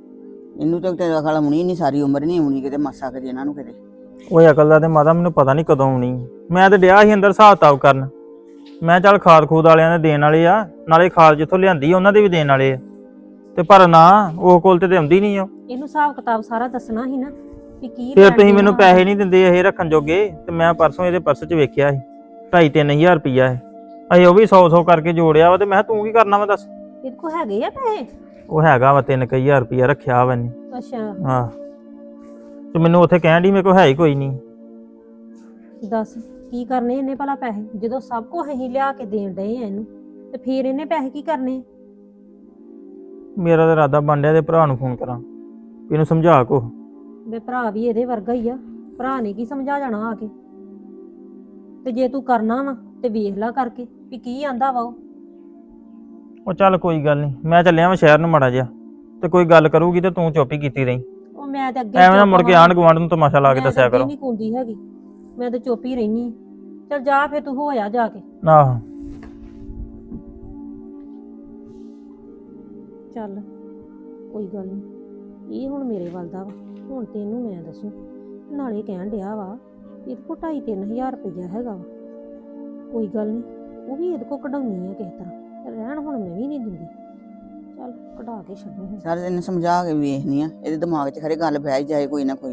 S6: ਇਹਨੂੰ ਤੇ ਅਕਲ ਆਉਣੀ ਨਹੀਂ, ਸਾਰੀ ਉਮਰ ਨਹੀਂ ਆਉਣੀ ਕਿਤੇ ਮਾਸਾ ਕਦੇ ਇਹਨਾਂ ਨੂੰ ਕਿਤੇ।
S5: ਓਏ ਅਕਲ ਦਾ ਤੇ ਮਾਤਾ ਮੈਨੂੰ ਪਤਾ ਨਹੀਂ ਕਦੋਂ ਆਉਣੀ। ਮੈਂ ਤੇ ਡਿਆ ਸੀ ਅੰਦਰ ਹਿਸਾਬ ਕਿਤਾਬ ਕਰਨ। ਮੈਂ ਚੱਲ ਖਾਦ ਖੂਦ ਵਾਲਿਆਂ ਦੇ ਦੇਣ ਵਾਲੇ ਆ, ਨਾਲੇ ਖਾਦ ਜਿੱਥੋਂ ਲਿਆਂਦੀ ਉਹਨਾਂ ਦੇ ਵੀ ਦੇਣ ਵਾਲੇ ਆ, ਤੇ ਪਰ ਨਾ ਉਹ ਕੋਲ ਤੇ ਆਉਂਦੀ ਨਹੀਂ ਆ।
S1: ਇਹਨੂੰ ਹਿਸਾਬ ਕਿਤਾਬ ਸਾਰਾ ਦੱਸਣਾ ਸੀ ਨਾ ਵੀ ਕੀ
S5: ਫਿਰ
S1: ਲੈਣ
S5: ਤੁਸੀਂ
S1: ਦੇਣ
S5: ਮੈਨੂੰ
S1: ਵਾ।
S5: ਪੈਸੇ ਨਹੀਂ ਦਿੰਦੇ ਇਹ ਰੱਖਣ ਜੋਗੇ, ਤੇ ਮੈਂ ਪਰਸੋਂ ਇਹਦੇ ਪਰਸ 'ਚ ਵੇਖਿਆ ਸੀ 2.5-3 ਹਜ਼ਾਰ ਰੁਪਈਆ ਹੈ। ਅਸੀਂ ਉਹ ਵੀ 100 ਕਰਕੇ ਜੋੜਿਆ ਵਾ, ਤੇ ਮੈਂ ਕਿਹਾ ਤੂੰ ਕੀ ਕਰਨਾ ਵਾ ਦੱਸ?
S1: ਇਹਦੇ ਕੋਲ ਹੈਗੇ ਆ ਪੈਸੇ?
S5: ਉਹ ਹੈਗਾ ਵਾ 3,000 ਰੁਪਈਆ ਰੱਖਿਆ ਵਾ ਇਹਨੇ।
S1: ਅੱਛਾ
S5: ਹਾਂ, ਤੇ ਮੈਨੂੰ ਉੱਥੇ ਕਹਿਣ ਡਈ ਮੇਰੇ ਕੋਲ ਹੈ ਹੀ ਕੋਈ ਨਹੀਂ।
S1: ਦੱਸ ਕੀ ਕਰਨੇ ਇਹਨੇ ਭਲਾ ਪੈਸੇ? ਜਦੋਂ ਸਭ ਕੁਝ ਅਸੀਂ ਲਿਆ ਕੇ ਦੇਣ ਡਏ ਆ ਇਹਨੂੰ, ਤੇ ਫਿਰ ਇਹਨੇ ਪੈਸੇ ਕੀ ਕਰਨੇ?
S5: ਮੇਰਾ ਤਾਂ ਇਰਾਦਾ ਬਣ ਡਿਆ ਤੇ ਭਰਾ ਨੂੰ ਫੋਨ ਕਰਾਂ ਵੀ ਇਹਨੂੰ ਸਮਝਾ ਕੋ।
S1: ਵੇ ਭਰਾ ਵੀ ਇਹਦੇ ਵਰਗਾ ਹੀ ਆ, ਭਰਾ ਨੇ ਕੀ ਸਮਝਾ ਜਾਣਾ ਆ ਕੇ। ਤੇ ਜੇ ਤੂੰ ਕਰਨਾ ਵਾ ਤੇ ਵੇਖ ਲੈ ਕਰਕੇ ਵੀ ਕੀ ਆਂਦਾ ਵਾ
S5: ਉਹ ਚੱਲ ਕੋਈ ਗੱਲ ਨਹੀਂ, ਮੈਂ ਚੱਲਿਆ ਮੈਂ ਸ਼ਹਿਰ ਨੂੰ ਮਾੜਾ ਜਿਹਾ, ਤੇ ਕੋਈ ਗੱਲ ਕਰੂਗੀ ਤੇ ਤੂੰ ਚੁੱਪ ਹੀ ਕੀਤੀ ਰਹੀ।
S1: ਉਹ ਮੈਂ ਤੇ ਅੱਗੇ
S5: ਐਵੇਂ ਨਾ ਮੁੜ ਕੇ ਆਂਢ ਗੁਆਂਢ ਨੂੰ ਤਮਾਸ਼ਾ ਲਾ ਕੇ ਦੱਸਿਆ ਕਰੋ।
S1: ਨਹੀਂ ਕੁੰਦੀ ਹੈਗੀ, ਮੈਂ ਤੇ ਚੁੱਪ ਹੀ ਰਹਿਨੀ। ਚੱਲ ਜਾ ਫੇਰ ਤੂੰ ਹੋਇਆ ਜਾ ਕੇ।
S5: ਆਹੋ
S1: ਚੱਲ ਕੋਈ ਗੱਲ ਨਹੀਂ, ਇਹ ਹੁਣ ਮੇਰੇ ਵੱਲ ਦਾ ਵਾ, ਹੁਣ ਤੈਨੂੰ ਮੈਂ ਦੱਸੂ। ਨਾਲੇ ਕਹਿਣ ਡਿਆ ਵਾ ਇਹਦੇ ਕੋਲ 2,500-3,000 ਰੁਪਇਆ ਹੈਗਾ ਵਾ, ਕੋਈ ਗੱਲ ਨਹੀਂ, ਉਹ ਵੀ ਇਹਦੇ ਕੋਲ ਕਢਾਉਣੀ ਆ ਕਿਸੇ ਤਰ੍ਹਾਂ, ਰਹਿਣ ਹੁਣ ਮੈਂ ਵੀ ਨਹੀਂ ਦਿੰਦੀ। ਚੱਲ ਕਢਾ ਕੇ ਛੱਡੂ ਹੁਣ।
S6: ਸਾਰੇ ਇਹਨੂੰ ਸਮਝਾ ਕੇ ਵੇਖਨੀ ਆ, ਇਹਦੇ ਦਿਮਾਗ 'ਚ ਖਰੇ ਗੱਲ ਬਹਿ ਹੀ ਜਾਏ ਕੋਈ ਨਾ ਕੋਈ।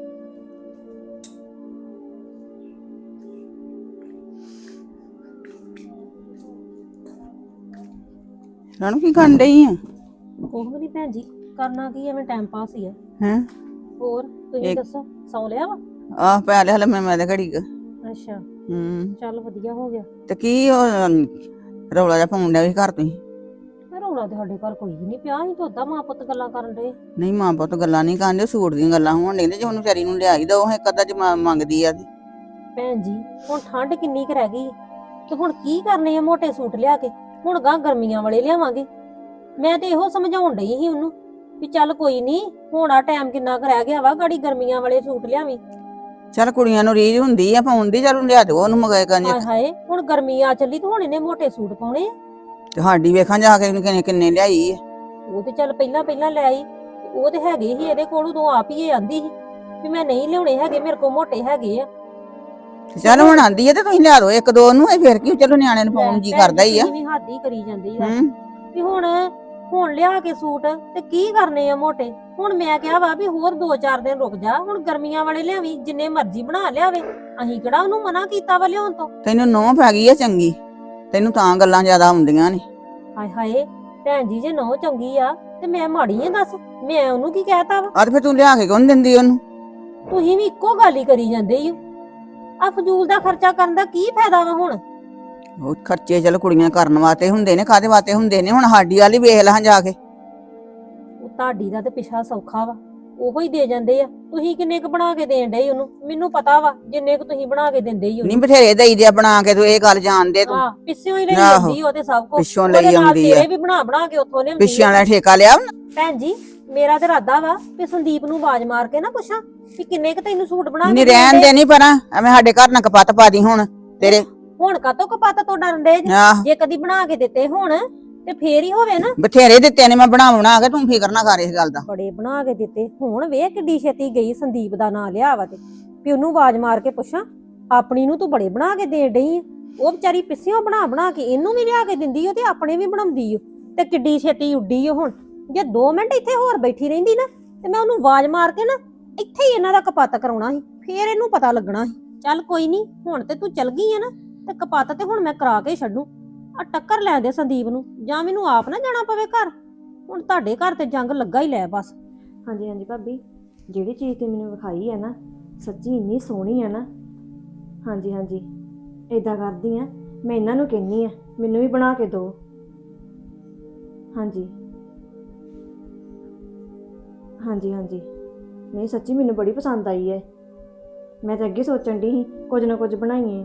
S6: ਰਾਣੂ ਕੀ ਕਰਨ ਡਈ ਆ?
S1: ਕੁਛ ਵੀ ਨਹੀਂ ਭੈਣ ਜੀ, ਕਰਨਾ ਕੀ ਐਵੇਂ ਟਾਈਮ ਪਾਸ ਹੀ ਆ।
S6: ਹੈਂ?
S1: ਹੋਰ ਤੁਸੀਂ
S6: ਇੱਕ-
S1: ਦੱਸੋ, ਸੌ ਲਿਆ ਵਾ?
S6: ਆਹ ਪੈ ਲਿਆ ਹਲੇ ਮੈਂ ਤੇ ਘੜੀ ਕੁ।
S1: ਅੱਛਾ
S6: ਚੱਲ
S1: ਵਧੀਆ ਹੋ ਗਿਆ।
S6: ਤੇ ਕੀ ਉਹ ਰੌਲਾ ਜਿਹਾ ਪਾਉਣ ਡਿਆ ਵੀ ਘਰ ਤੁਸੀਂ?
S1: ਰੌਲਾ ਤੇ ਸਾਡੇ ਘਰ ਕੋਈ ਵੀ ਨਹੀਂ ਪਿਆ, ਅਸੀਂ ਤਾਂ ਉਦਾਂ ਮਾਂ ਪੁੱਤ ਗੱਲਾਂ ਕਰਨ ਦੇ।
S6: ਨਹੀਂ ਮਾਂ ਪੁੱਤ ਗੱਲਾਂ ਨਹੀਂ ਕਰਦੇ, ਸੂਟ ਦੀਆਂ ਗੱਲਾਂ ਹੋਣ ਡਈਆਂ। ਜੇ ਉਹਨੂੰ ਵਿਚਾਰੀ ਨੂੰ ਲਿਆਈ ਦੋ ਇੱਕ ਅੱਧਾ ਚ ਮੰਗਦੀ ਆ ਤੇ।
S1: ਭੈਣ ਜੀ ਹੁਣ ਠੰਡ ਕਿੰਨੀ ਕੁ ਰਹਿ ਗਈ ਤੇ ਹੁਣ ਕੀ ਕਰਨੇ ਆ ਮੋਟੇ ਸੂਟ ਲਿਆ ਕੇ, ਹੁਣ ਗਾਂ ਗਰਮੀਆਂ ਵਾਲੇ ਲਿਆਵਾਂਗੇ। ਮੈਂ ਤੇ ਇਹੋ ਸਮਝਾਉਣ ਡਈ ਸੀ ਉਹਨੂੰ ਵੀ ਚੱਲ ਕੋਈ ਨਹੀਂ, ਹੁਣ ਆ ਟਾਈਮ ਕਿੰਨਾ ਕੁ ਰਹਿ ਗਿਆ ਵਾ, ਗਾੜੀ ਗਰਮੀਆਂ ਵਾਲੇ ਸੂਟ ਲਿਆਵੀਂ।
S6: ਚੱਲ ਕੁੜੀਆਂ ਨੂੰ ਰੀਝ ਹੁੰਦੀ ਆ ਪਾਉਣ ਦੀ, ਚੱਲ ਲਿਆ ਦਿਓ ਉਹਨੂੰ ਮਗਾਏ ਕੰਜ।
S1: ਹਾਏ ਹਾਏ ਹੁਣ ਗਰਮੀ ਆ ਚੱਲੀ ਤੇ ਹੁਣ ਇਹਨੇ ਮੋਟੇ ਸੂਟ ਪਾਉਣੇ ਆ।
S6: ਤੇ ਸਾਡੀ ਵੇਖਾਂ ਜਾ ਕੇ ਕਿੰਨੇ ਕਿੰਨੇ ਲਿਆਈ ਆ।
S1: ਉਹ ਤੇ ਚੱਲ ਪਹਿਲਾਂ ਲੈ ਆਈ, ਉਹ ਤੇ ਹੈਗੇ ਹੀ ਇਹਦੇ ਕੋਲ, ਉਦੋਂ ਆਪ ਹੀ ਇਹ ਆਂਦੀ ਸੀ ਵੀ ਮੈਂ ਨਹੀਂ ਲਿਆਉਣੇ ਹੈਗੇ, ਮੇਰੇ ਕੋਲ ਮੋਟੇ ਹੈਗੇ ਆ।
S6: ਤੇ ਚੱਲ ਹੁਣ ਆਂਦੀ ਆ ਤੇ ਤੁਸੀਂ ਲਿਆ ਦਿਓ ਇੱਕ ਦੋ ਨੂੰ, ਇਹ ਫਿਰ ਕੀ, ਚਲੋ ਨਿਆਣੇ ਨੂੰ ਪਾਉਣ ਜੀ ਕਰਦਾ ਹੀ ਆ।
S1: ਤੁਸੀਂ ਵੀ ਹੱਦ ਹੀ ਕਰੀ ਜਾਂਦੀ ਆ
S6: ਹੂੰ
S1: ਵੀ ਹੁਣ ਲਿਆ ਕੇ ਸੂਟ ਤੇ ਕੀ ਕਰਨੇ ਆ ਮੋਟੇ। ਹੁਣ ਮੈਂ ਕਿਹਾ ਵਾ ਵੀ ਹੋਰ 2-4 ਦਿਨ ਰੁਕ ਜਾ, ਹੁਣ ਗਰਮੀਆਂ ਵਾਲੇ ਲਿਆਵੀਂ, ਜਿੰਨੇ ਮਰਜ਼ੀ ਬਣਾ ਲਿਆਵੇ, ਅਸੀਂ ਕਿਹੜਾ ਉਹਨੂੰ ਮਨਾ ਕੀਤਾ ਵਾ ਲਿਆਉਣ ਤੋਂ।
S6: ਤੈਨੂੰ ਨੋਹ ਪੈ ਗਈ ਆ ਚੰਗੀ, ਤੈਨੂੰ ਤਾਂ ਗੱਲਾਂ ਜ਼ਿਆਦਾ ਆਉਂਦੀਆਂ ਨੇ।
S1: ਹਾਏ ਹਾਏ ਭੈਣ ਜੀ, ਜੇ ਨਹੁੰ ਚੰਗੀ ਆ ਤੇ ਮੈਂ ਮਾੜੀ ਆ ਦੱਸ, ਮੈਂ ਉਹਨੂੰ ਕੀ ਕਹਿਤਾ ਵਾ?
S6: ਆ ਤੇ ਫਿਰ ਤੂੰ ਲਿਆ ਕੇ ਕਿਉਂ ਨੀ ਦਿੰਦੀ ਉਹਨੂੰ?
S1: ਤੁਸੀਂ ਵੀ ਇੱਕੋ ਗੱਲ ਹੀ ਕਰੀ ਜਾਂਦੇ ਈ ਓ। ਆ ਫਜ਼ੂਲ ਦਾ ਖਰਚਾ ਕਰਨ ਦਾ ਕੀ ਫਾਇਦਾ ਵਾ ਹੁਣ?
S6: ਉਹ ਖਰਚੇ ਚੱਲ ਕੁੜੀਆਂ ਕਰਨ ਵਾਸਤੇ ਹੁੰਦੇ ਨੇ, ਕਾਹਦੇ ਵਾਸਤੇ ਹੁੰਦੇ ਨੇ? ਹੁਣ ਸਾਡੀ ਵਾਲੀ ਵੇਖ ਲਾਂ ਜਾ ਕੇ।
S1: ਉਹ ਤੁਹਾਡੀ ਦਾ ਤੇ ਪਿਛਾ ਸੌਖਾ ਵਾ, ਉਹੋ ਹੀ ਦੇ ਜਾਂਦੇ ਆ। ਤੁਸੀਂ ਕਿੰਨੇ ਕੁ ਬਣਾ ਕੇ ਦੇਣ ਡਏ ਉਹਨੂੰ? ਮੈਨੂੰ ਪਤਾ ਵਾ ਜਿੰਨੇ ਕੁ ਤੁਸੀਂ ਬਣਾ ਕੇ ਦਿੰਦੇ ਹੀ
S6: ਨਹੀਂ ਬਥੇਰੇ ਦਈ ਦੇ ਬਣਾ ਕੇ, ਤੂੰ ਇਹ ਗੱਲ ਜਾਣਦੇ ਤੂੰ।
S1: ਹਾਂ ਪਿੱਛੋਂ ਹੀ ਲਈ
S6: ਆਹੋ,
S1: ਜਾਂਦੀ ਉਹ ਤੇ ਸਭ ਕੁਝ
S6: ਪਿੱਛੋਂ ਲਈ ਆਉਂਦੀ ਆ।
S1: ਤੇਰੇ ਵੀ ਬਣਾ ਕੇ ਉੱਥੋਂ ਲਿਆਉਂਦੀ
S6: ਪਿੱਛਿਆਂ
S1: ਆ।
S6: ਵਾਲਾ ਠੇਕਾ ਲਿਆ ਵਾ ਨਾ।
S1: ਭੈਣ ਜੀ ਮੇਰਾ ਤੇ ਇਰਾਦਾ ਵਾ ਕਿ ਸੰਦੀਪ ਨੂੰ ਆਵਾਜ਼ ਮਾਰ ਕੇ ਨਾ ਪੁੱਛਾਂ ਕਿ ਕਿੰਨੇ ਕੁ ਤੈਨੂੰ ਸੂਟ ਬਣਾ
S6: ਨਹੀਂ
S1: ਕੇ
S6: ਰਹਿਣ ਦੇ, ਨਹੀਂ ਪਰਾਂ ਐਵੇਂ ਸਾਡੇ ਘਰ ਨਾ ਕਪੱਤ ਪਾ ਦੀ ਹੁਣ ਤੇਰੇ।
S1: ਹੁਣ ਕਾਤੋਂ ਕਪੱਤ ਤੋਂ ਡਰਨ ਦੇ?
S6: ਆਹ
S1: ਜੇ ਕਦੀ ਬਣਾ ਕੇ ਦਿੱਤੇ ਹੁਣ ਤੇ ਫੇਰ ਹੀ ਹੋਵੇ ਨਾ।
S6: ਬਥੇਰੇ ਦਿੱਤੇ ਨੇ ਮੈਂ ਬਣਾ ਕੇ, ਤੂੰ ਫਿਕਰ ਨਾ ਕਰ ਇਸ ਗੱਲ ਦਾ।
S1: ਬੜੇ ਬਣਾ ਕੇ ਦਿੱਤੇ, ਹੁਣ ਵੇਖ ਕਿੱਡੀ ਛੇਤੀ ਗਈ ਸੰਦੀਪ ਦਾ ਨਾਂ ਲਿਆ ਵਾ ਤੇ ਵੀ ਉਹਨੂੰ ਆਵਾਜ਼ ਮਾਰ ਕੇ ਪੁੱਛਾਂ। ਆਪਣੀ ਨੂੰ ਤੂੰ ਬੜੇ ਬਣਾ ਕੇ ਦੇਣ ਡਈ ਆ, ਉਹ ਵਿਚਾਰੀ ਪਿੱਛਿਓਂ ਬਣਾ ਕੇ ਇਹਨੂੰ ਵੀ ਲਿਆ ਕੇ ਦਿੰਦੀ ਓ ਤੇ ਆਪਣੇ ਵੀ ਬਣਾਉਂਦੀ ਓ, ਤੇ ਕਿੱਡੀ ਛੇਤੀ ਉੱਡੀ ਓ। ਹੁਣ ਜੇ 2 ਮਿੰਟ ਇੱਥੇ ਹੋਰ ਬੈਠੀ ਰਹਿੰਦੀ ਨਾ ਤੇ ਮੈਂ ਉਹਨੂੰ ਆਵਾਜ਼ ਮਾਰ ਕੇ ਨਾ ਇੱਥੇ ਹੀ ਇਹਨਾਂ ਦਾ ਕਪੱਤ ਕਰਾਉਣਾ ਸੀ, ਫੇਰ ਇਹਨੂੰ ਪਤਾ ਲੱਗਣਾ ਸੀ। ਚੱਲ ਕੋਈ ਨਹੀਂ, ਹੁਣ ਤੇ ਤੂੰ ਚਲ ਗਈ ਆ ਨਾ ਤੇ ਕਪੱਤ ਤੇ ਹੁਣ ਮੈਂ ਕਰਾ ਕੇ ਛੱਡੂ। ਆ ਟੱਕਰ ਲੈ ਦੇ ਸੰਦੀਪ ਨੂੰ, ਜਾਂ ਮੈਨੂੰ ਆਪ ਨਾ ਜਾਣਾ ਪਵੇ ਘਰ। ਹੁਣ ਤੁਹਾਡੇ ਘਰ ਤੇ ਜੰਗ ਲੱਗਾ ਹੀ ਲੈ ਬਸ।
S3: ਹਾਂਜੀ ਹਾਂਜੀ ਭਾਬੀ, ਜਿਹੜੀ ਚੀਜ਼ ਤੇ ਮੈਨੂੰ ਵਿਖਾਈ ਹੈ ਨਾ, ਸੱਚੀ ਇੰਨੀ ਸੋਹਣੀ ਹੈ ਨਾ। ਹਾਂਜੀ ਹਾਂਜੀ ਏਦਾਂ ਕਰਦੀ ਆ, ਮੈਂ ਇਹਨਾਂ ਨੂੰ ਕਹਿੰਨੀ ਆ ਮੈਨੂੰ ਵੀ ਬਣਾ ਕੇ ਦਿਓ। ਹਾਂਜੀ ਹਾਂਜੀ ਹਾਂਜੀ ਨਹੀਂ ਸੱਚੀ ਮੈਨੂੰ ਬੜੀ ਪਸੰਦ ਆਈ ਹੈ। ਮੈਂ ਤਾਂ ਅੱਗੇ ਸੋਚਣ ਦੀ ਸੀ ਕੁਝ ਨਾ ਕੁਝ ਬਣਾਈਏ।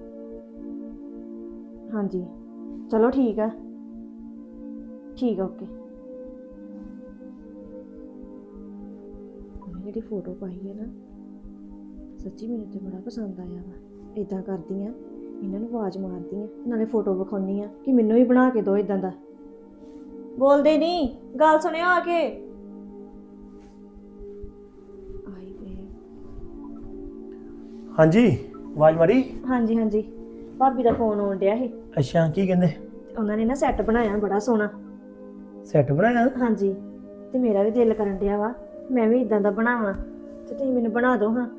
S3: ਹਾਂਜੀ ਚਲੋ ਠੀਕ ਆ, ਠੀਕ ਆ, ਓਕੇ। ਜਿਹੜੀ ਫੋਟੋ ਪਾਈ ਹੈ ਨਾ, ਸੱਚੀ ਮੈਨੂੰ ਤੇ ਬੜਾ ਪਸੰਦ ਆਇਆ ਵਾ। ਇਦਾਂ ਕਰਦੀ ਆ, ਇਹਨਾਂ ਨੂੰ ਆਵਾਜ਼ ਮਾਰਦੀ ਆ, ਨਾਲੇ ਫੋਟੋ ਵਿਖਾਉਣੀ ਆ ਕਿ ਮੈਨੂੰ ਵੀ ਬਣਾ ਕੇ ਦਿਓ ਇਦਾਂ ਦਾ। ਬੋਲਦੇ ਨਹੀਂ, ਗੱਲ ਸੁਣਿਓ ਆ ਕੇ। ਆਈ ਵੇ।
S4: ਹਾਂਜੀ ਆਵਾਜ਼ ਮਾਰੀ।
S3: ਹਾਂਜੀ ਹਾਂਜੀ ਭਾਬੀ ਦਾ ਫੋਨ ਆਉਣ ਡਿਆ ਸੀ,
S4: ਅੱਛਾ ਕੀ ਕਹਿੰਦੇ?
S3: ਉਹਨਾਂ ਨੇ ਨਾ ਸੈੱਟ ਬਣਾਇਆ ਬੜਾ ਸੋਹਣਾ।
S4: ਸੈੱਟ ਬਣਾਇਆ?
S3: ਹਾਂਜੀ ਤੇ ਮੇਰਾ ਵੀ ਦਿਲ ਕਰਨ ਡਿਆ ਵਾ ਮੈਂ ਵੀ ਇਦਾਂ ਦਾ ਬਣਾਵਾਂ, ਤੇ ਤੁਸੀਂ ਮੈਨੂੰ ਬਣਾ ਦਿਓ ਹਾਂ।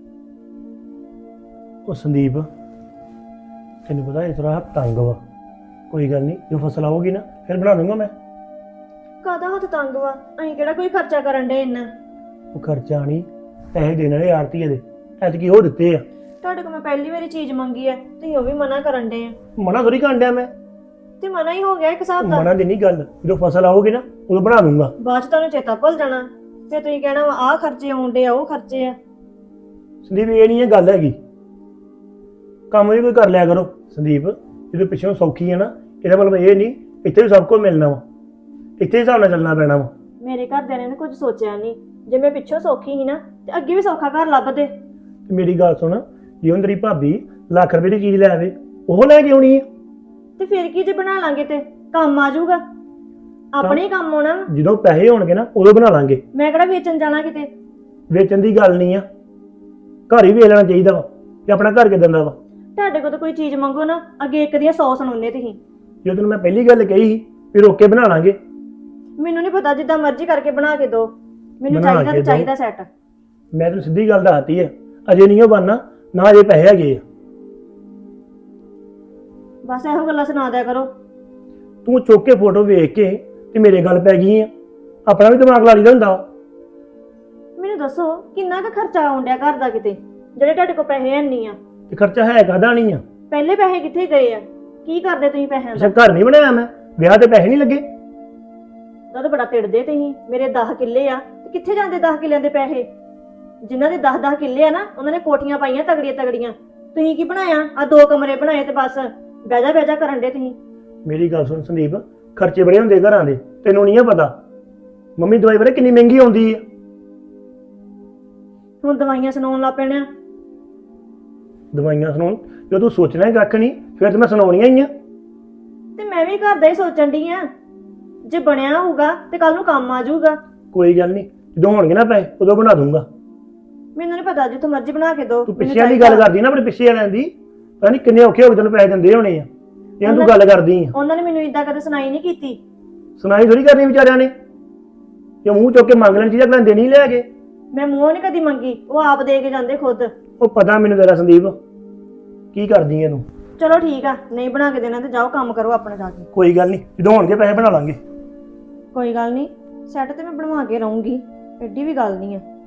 S4: ਉਹ ਸੰਦੀਪ ਤੈਨੂੰ ਪਤਾ ਇਸ ਤਰ੍ਹਾਂ ਤੰਗ ਵਾ, ਕੋਈ ਗੱਲ ਨਹੀਂ, ਜੋ ਫਸਲ ਆਊਗੀ ਨਾ ਫਿਰ ਬਣਾ ਦੂੰਗਾ ਮੈਂ।
S3: ਕਾਹਦਾ ਹੱਥ ਤੰਗ ਵਾ, ਅਸੀਂ ਕਿਹੜਾ ਕੋਈ ਖਰਚਾ ਕਰਨ ਡੇ ਇੰਨਾ।
S4: ਉਹ ਖਰਚਾ ਨਹੀਂ, ਪੈਸੇ ਦੇਣ ਵਾਲੇ ਆੜਤੀਏ ਦੇ ਐਤਕੀ ਉਹ ਦਿੱਤੇ ਆ।
S3: ਤੁਹਾਡੇ ਕੋਲ ਮੈਂ ਪਹਿਲੀ ਵਾਰੀ ਚੀਜ਼ ਮੰਗੀ ਆ, ਤੁਸੀਂ ਉਹ ਵੀ ਮਨਾ ਕਰਨ ਡੇ ਆ।
S4: ਮਨਾ ਥੋੜੀ ਕਰਨ ਡਿਆ ਮੈਂ,
S3: ਤੇ ਮਨਾ ਹੀ ਹੋ ਗਿਆ ਇੱਕ ਹਿਸਾਬ ਦਾ।
S4: ਮਨਾ ਦੀ ਨਹੀਂ ਗੱਲ, ਜਦੋਂ ਫਸਲ ਆਊਗੀ ਨਾ ਉਦੋਂ ਬਣਾ ਦੂੰਗਾ।
S3: ਬਾਅਦ ਚ ਤੁਹਾਨੂੰ ਚੇਤਾ ਭੁੱਲ ਜਾਣਾ, ਫਿਰ ਤੁਸੀਂ ਕਹਿਣਾ ਵਾ ਆਹ ਖਰਚੇ ਆਉਣ ਡੇ ਆ, ਉਹ ਖਰਚੇ ਆ।
S4: ਸੰਦੀਪ ਇਹ ਨਹੀਂ ਇਹ ਗੱਲ ਹੈਗੀ, ਕੰਮ ਵੀ ਕੋਈ ਕਰ ਲਿਆ ਕਰੋ ਸੰਦੀਪ। ਜਦੋਂ ਪਿੱਛੋਂ ਸੌਖੀ ਹੈ ਨਾ, ਇਹਦਾ ਮਤਲਬ ਇਹ ਨਹੀਂ ਇੱਥੇ ਵੀ ਸਭ ਕੁਝ ਮਿਲਣਾ ਵਾ, ਇੱਥੇ ਹੀ ਹਿਸਾਬ ਨਾਲ ਚੱਲਣਾ ਪੈਣਾ ਵਾ।
S3: ਮੇਰੇ ਘਰਦਿਆਂ ਨੇ ਕੁਝ ਸੋਚਿਆ ਨਹੀਂ। ਜੇ ਮੈਂ ਪਿੱਛੋਂ ਸੌਖੀ ਸੀ ਨਾ ਤੇ ਅੱਗੇ ਵੀ ਸੌਖਾ ਘਰ ਲੱਭਦੇ।
S4: ਤੇ ਮੇਰੀ ਗੱਲ ਸੁਣ, ਜੇ ਹੁਣ ਤੇਰੀ ਭਾਬੀ ਲੱਖ ਰੁਪਏ ਦੀ ਚੀਜ਼ ਲੈ ਆਵੇ, ਉਹ ਲੈ ਕੇ ਆਉਣੀ ਹੈ।
S3: ਤੇ ਫਿਰ ਕੀ ਜੇ ਬਣਾ ਲਾਂਗੇ ਤੇ ਕੰਮ ਆ ਜਾਊਗਾ, ਆਪਣੇ ਹੀ ਕੰਮ ਆਉਣਾ।
S4: ਜਦੋਂ ਪੈਸੇ ਹੋਣਗੇ ਨਾ ਉਦੋਂ ਬਣਾ ਲਾਂਗੇ।
S3: ਮੈਂ ਕਿਹੜਾ ਵੇਚਣ ਜਾਣਾ ਕਿਤੇ।
S4: ਵੇਚਣ ਦੀ ਗੱਲ ਨਹੀਂ ਆ, ਘਰ ਹੀ ਵੇਚ ਲੈਣਾ ਚਾਹੀਦਾ ਵਾ ਕਿ ਆਪਣਾ ਘਰ ਕਿਦਾਂ ਦਾ ਵਾ।
S3: ਤੁਹਾਡੇ ਕੋਲ ਤਾਂ ਕੋਈ ਚੀਜ਼ ਮੰਗੋ ਨਾ, ਅੱਗੇ ਇੱਕ ਦੀਆਂ 100 ਸੁਣਾਉਂਦੇ ਤੁਸੀਂ।
S4: ਜੇ ਤੈਨੂੰ ਮੈਂ ਪਹਿਲੀ ਗੱਲ ਕਹੀ ਸੀ ਵੀ ਰੋਕ ਕੇ ਬਣਾ ਲਾਂਗੇ।
S3: ਮੈਨੂੰ ਨਹੀਂ ਪਤਾ, ਜਿੱਦਾਂ ਮਰਜ਼ੀ ਕਰਕੇ ਬਣਾ ਕੇ ਦਿਓ, ਮੈਨੂੰ
S4: ਬਣਾ
S3: ਚਾਹੀਦਾ
S4: ਕੇ
S3: ਤੇ
S4: ਦਿਓ।
S3: ਚਾਹੀਦਾ ਸੈੱਟ।
S4: ਮੈਂ ਤੈਨੂੰ ਸਿੱਧੀ ਗੱਲ ਦੱਸਤੀ ਹੈ, ਅਜੇ ਨਹੀਂ ਉਹ ਬਣਨਾ, ਨਾ ਅਜੇ ਪੈਸੇ ਹੈਗੇ ਆ।
S3: ਬਸ ਇਹੋ ਗੱਲਾਂ ਸੁਣਾ ਦਿਆ ਕਰੋ।
S4: ਤੂੰ ਚੁੱਕ ਕੇ ਫੋਟੋ ਵੇਖ ਕੇ ਤੇ ਮੇਰੇ ਗੱਲ ਪੈ ਗਈ ਆ। ਆਪਣਾ ਵੀ ਦਿਮਾਗ ਲਾ ਲਈਦਾ ਹੁੰਦਾ ਵਾ।
S3: ਮੈਨੂੰ ਦੱਸੋ ਕਿੰਨਾ ਕੁ ਖਰਚਾ ਆਉਣ ਡਿਆ ਘਰ ਦਾ ਕਿਤੇ, ਜਿਹੜੇ ਤੁਹਾਡੇ ਕੋਲ ਪੈਸੇ ਹੈ ਨਹੀਂ ਆ।
S4: ਤੇ ਖਰਚਾ ਹੈ ਕਾਹਦਾ ਨਹੀਂ ਆ।
S3: ਪਹਿਲੇ ਪੈਸੇ ਕਿੱਥੇ ਗਏ ਆ? ਕੀ ਕਰਦੇ ਤੁਸੀਂ ਪੈਸਿਆਂ
S4: ਅੱਛਾ
S3: ਦਾ?
S4: ਘਰ ਨਹੀਂ ਬਣਾਇਆ ਮੈਂ, ਵਿਆਹ ਤੇ ਪੈਸੇ ਨਹੀਂ ਲੱਗੇ।
S3: ਉਹਦਾ ਤਾਂ ਬੜਾ ਤਿੜਦੇ ਤੁਸੀਂ। ਮੇਰੇ 10 ਕਿੱਲੇ ਆ ਤੇ ਕਿੱਥੇ ਜਾਂਦੇ 10 ਕਿੱਲਿਆਂ ਦੇ ਪੈਸੇ? ਜਿਨ੍ਹਾਂ ਦੇ 10-10 ਕਿੱਲੇ ਆ ਨਾ, ਉਹਨਾਂ ਨੇ ਕੋਠੀਆਂ ਪਾਈਆਂ ਤਗੜੀਆਂ ਤਗੜੀਆਂ। ਤੁਸੀਂ ਕੀ ਬਣਾਇਆ? ਆ 2 ਕਮਰੇ ਬਣਾਏ ਤੇ ਬਸ ਬਹਿਜਾ ਬਹਿਜਾ ਕਰਨ ਦੇ ਤੁਸੀਂ।
S4: ਮੇਰੀ ਗੱਲ ਸੁਣ ਸੰਦੀਪ, ਖਰਚੇ ਬੜੇ ਹੁੰਦੇ ਘਰਾਂ ਦੇ, ਤੈਨੂੰ ਨਹੀਂ ਆ ਪਤਾ। ਮੰਮੀ ਦਵਾਈ ਬਾਰੇ ਕਿੰਨੀ ਮਹਿੰਗੀ ਆਉਂਦੀ ਆ।
S3: ਹੁਣ ਦਵਾਈਆਂ ਸੁਣਾਉਣ ਲੱਗ ਪੈਣਾ।
S4: ਦਵਾਈਆਂ ਸੁਣਾਉਣ, ਜਦੋਂ ਤੂੰ ਸੋਚਣਾ ਹੀ ਕੱਖ ਨਹੀਂ ਫਿਰ ਤੇ ਮੈਂ ਸੁਣਾਉਣੀਆਂ ਹੀ ਆ।
S3: ਤੇ ਮੈਂ ਵੀ ਘਰ ਦਾ ਹੀ ਸੋਚਣ ਡਈ ਆ, ਜੇ ਬਣਿਆ ਹੋਊਗਾ ਤੇ ਕੱਲ ਨੂੰ ਕੰਮ ਆ ਜਾਊਗਾ।
S4: ਕੋਈ ਗੱਲ ਨਹੀਂ, ਜਦੋਂ ਹੋਣਗੇ ਨਾ ਪੈਸੇ ਉਦੋਂ ਬਣਾ ਦੂੰਗਾ।
S3: ਮੈਨੂੰ ਨਹੀਂ ਪਤਾ, ਜਿੱਥੋਂ ਮਰਜ਼ੀ ਬਣਾ ਕੇ ਦਿਓ।
S4: ਤੂੰ
S3: ਮੈਨੂੰ
S4: ਪਿੱਛੇ ਦੀ
S3: ਚਾਹੀਦਾ।
S4: ਗੱਲ ਕਰਦੀ ਨਾ, ਆਪਣੇ ਪਿੱਛੇ ਵਾਲਿਆਂ ਦੀ, ਪਤਾ ਨਹੀਂ ਕਿੰਨੇ ਔਖੇ ਹੋ ਕੇ ਤੈਨੂੰ ਪੈਸੇ ਦਿੰਦੇ ਹੋਣੇ ਆ। ਇਹਨਾਂ ਤੂੰ ਗੱਲ ਕਰਦੀ ਆ।
S3: ਉਹਨਾਂ ਨੇ ਮੈਨੂੰ ਇਦਾਂ ਕਦੇ ਸੁਣਾਈ ਨਹੀਂ ਕੀਤੀ।
S4: ਸੁਣਾਈ ਥੋੜੀ ਕਰਨੀ ਵਿਚਾਰਿਆਂ ਨੇ, ਕਿ ਮੂੰਹ ਚੁੱਕ ਕੇ ਮੰਗ ਲੈਣ ਚੀਜ਼ਾਂ ਅਗਲੇ ਦੇਣੀ ਲੈ ਕੇ।
S3: ਮੈਂ ਮੂੰਹੋਂ ਨਹੀਂ ਕਦੀ ਮੰਗੀ, ਉਹ ਆਪ ਦੇ ਕੇ ਜਾਂਦੇ ਖੁਦ।
S4: ਉਹ ਪਤਾ ਮੈਨੂੰ ਤੇਰਾ ਸੰਦੀਪ, ਕੀ ਕਰਦੀ ਐ ਤੂੰ।
S3: ਚਲੋ ਠੀਕ ਆ, ਨਹੀਂ ਬਣਾ ਕੇ ਦੇਣਾ ਤੇ ਜਾਓ ਕੰਮ ਕਰੋ ਆਪਣਾ ਜਾ ਕੇ।
S4: ਕੋਈ ਗੱਲ ਨਹੀਂ, ਜਦੋਂ ਹੋਣਗੇ ਪੈਸੇ ਬਣਾ ਲਾਂਗੇ।
S3: ਕੋਈ ਗੱਲ ਨਹੀਂ, ਸੈੱਟ ਤੇ ਮੈਂ ਬਣਵਾ ਕੇ ਰਹੂੰਗੀ, ਐਡੀ ਵੀ ਗੱਲ ਨਹੀਂ ਆ।